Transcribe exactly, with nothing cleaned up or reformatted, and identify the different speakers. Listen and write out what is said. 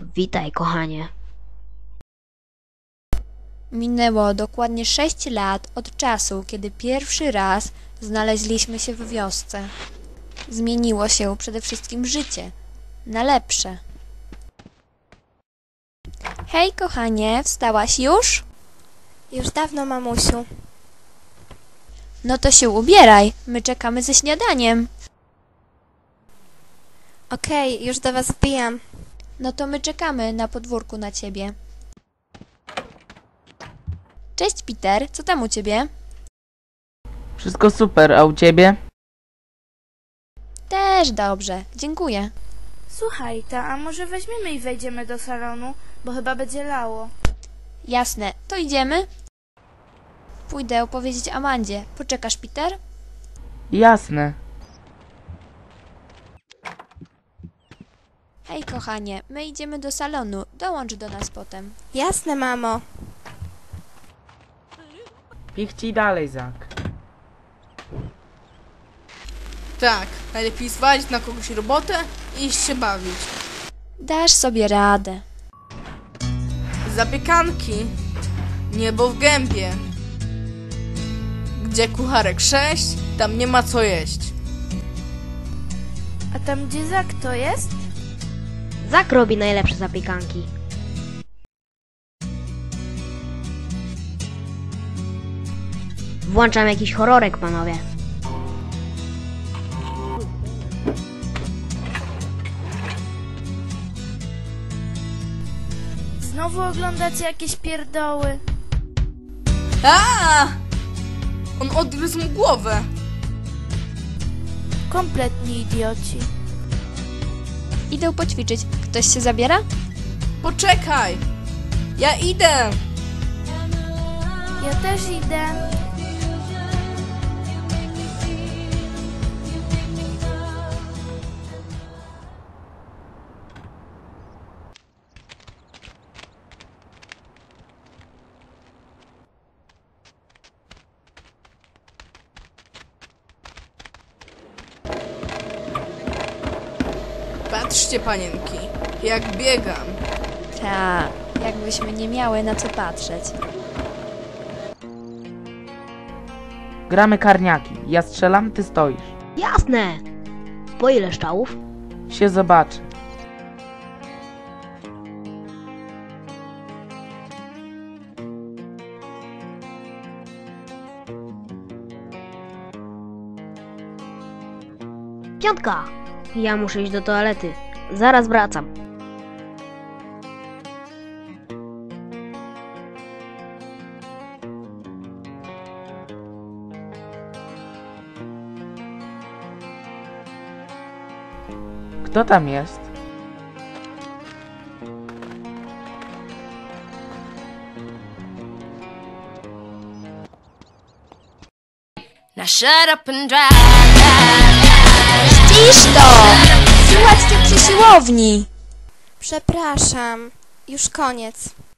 Speaker 1: Witaj, kochanie.
Speaker 2: Minęło dokładnie sześć lat od czasu, kiedy pierwszy raz znaleźliśmy się w wiosce. Zmieniło się przede wszystkim życie. Na lepsze. Hej, kochanie, wstałaś już?
Speaker 3: Już dawno, mamusiu.
Speaker 2: No to się ubieraj, my czekamy ze śniadaniem.
Speaker 3: Okej, już do was wbijam.
Speaker 2: No to my czekamy na podwórku na ciebie. Cześć, Peter, co tam u ciebie?
Speaker 4: Wszystko super, a u ciebie?
Speaker 2: Też dobrze, dziękuję.
Speaker 5: Słuchaj, ta, a może weźmiemy i wejdziemy do salonu, bo chyba będzie lało.
Speaker 2: Jasne, to idziemy? Pójdę opowiedzieć Amandzie. Poczekasz, Peter?
Speaker 4: Jasne.
Speaker 2: Hej, kochanie, my idziemy do salonu. Dołącz do nas potem.
Speaker 3: Jasne, mamo.
Speaker 4: Pichci dalej, Zak.
Speaker 6: Tak, najlepiej zwalić na kogoś robotę i iść się bawić.
Speaker 2: Dasz sobie radę.
Speaker 6: Zapiekanki. Niebo w gębie. Gdzie kucharek sześć, tam nie ma co jeść.
Speaker 5: A tam gdzie Zak to jest?
Speaker 1: Zak robi najlepsze zapiekanki. Włączam jakiś horrorek, panowie.
Speaker 5: Znowu oglądacie jakieś pierdoły?
Speaker 6: A! On odgryzł mu głowę.
Speaker 5: Kompletni idioci.
Speaker 2: Idę poćwiczyć. Ktoś się zabiera?
Speaker 6: Poczekaj! Ja idę!
Speaker 5: Ja też idę.
Speaker 6: Patrzcie, panienki, jak biegam.
Speaker 2: Ta, jakbyśmy nie miały na co patrzeć.
Speaker 4: Gramy karniaki. Ja strzelam, ty stoisz.
Speaker 1: Jasne! Po ile szczałów?
Speaker 4: Się zobaczy.
Speaker 1: Piątka! Ja muszę iść do toalety. Zaraz wracam.
Speaker 4: Kto tam jest?
Speaker 7: Now shut up and drive.
Speaker 2: Ścisz to! Słuchajcie przy siłowni!
Speaker 3: Przepraszam. Już koniec.